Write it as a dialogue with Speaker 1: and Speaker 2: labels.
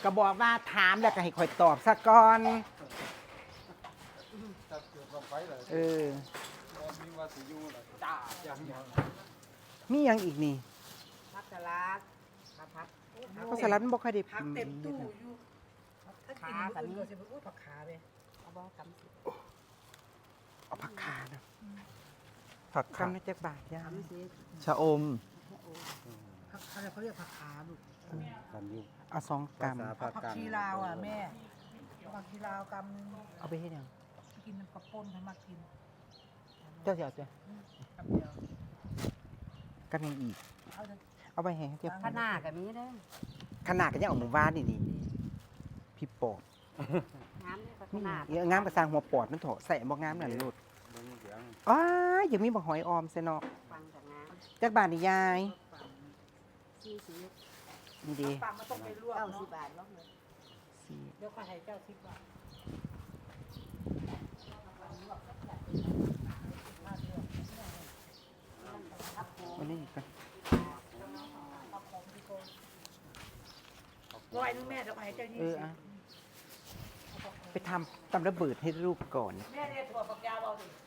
Speaker 1: ก็บอกว่าถามแล้วก็ให้คอยตอบซะก่อน
Speaker 2: จับเกิดลงไปเลย
Speaker 1: เออ
Speaker 2: มีว่าสิอยู่ล่ะจ้าอย่างเงี้ย
Speaker 1: มีหยังอีกนี่
Speaker 3: ผักสลัดผัก
Speaker 1: เพราะสลัดมันบ่ค่อยได้
Speaker 3: ผักเต็มตู้อยู่ถ้ากินแบบนี้ก็จะเป็นผักขาเลยเอาบ่กำสิ
Speaker 1: เอาผักขานะผักขาในจักบาทย่าก
Speaker 3: ำสิ
Speaker 4: ชะอม
Speaker 3: ผักอะไรเขาเรียกผักขาลูก
Speaker 2: กันอยู่
Speaker 1: เอา2 กรัม
Speaker 3: ผักชีลาวอ่ะแม่ผักชีลาวกำนึง
Speaker 1: เอาไปเฮ็ดหยัง
Speaker 3: กินน้ำกระป่นให้มากิน
Speaker 1: เจ้าสิเอาจ้ะ
Speaker 3: กำเดียว
Speaker 1: กันยังอีก
Speaker 3: เอาเถอะ
Speaker 1: เอาไปให้เจ้า
Speaker 5: ขนาดกับมีเด้อ
Speaker 1: ขนาดก็ยังเอาหมู่บ้านนี่พี่ปอบ
Speaker 5: น้ำนี่ก็ข
Speaker 1: นี่
Speaker 5: นาด
Speaker 1: งามกระสร้างหัวปอดมันเถอะใส่บ่งามนั่นโลด
Speaker 2: เบิ่งเสียง
Speaker 1: อ้ายยังมีบ่หอยออมซะเนาะ
Speaker 5: ฟังจากน้
Speaker 1: จักบาทนี่ยาย
Speaker 5: ำชี้สี
Speaker 1: นี่ดี
Speaker 3: ปังมันต้องไปลวกเนาะ
Speaker 5: 90 บาทเนาะ
Speaker 1: สี่
Speaker 3: เดี๋ยวก็ให้เจ้า10 บาท
Speaker 1: วันนี้กัน
Speaker 3: ร้อยนึงแม่เดี๋ยวให้เจ้า20
Speaker 1: อะไปทำตำระเบิดให้ลูกก่อน
Speaker 3: แม่เนี่ยถั่วฝักยาวเอาดิ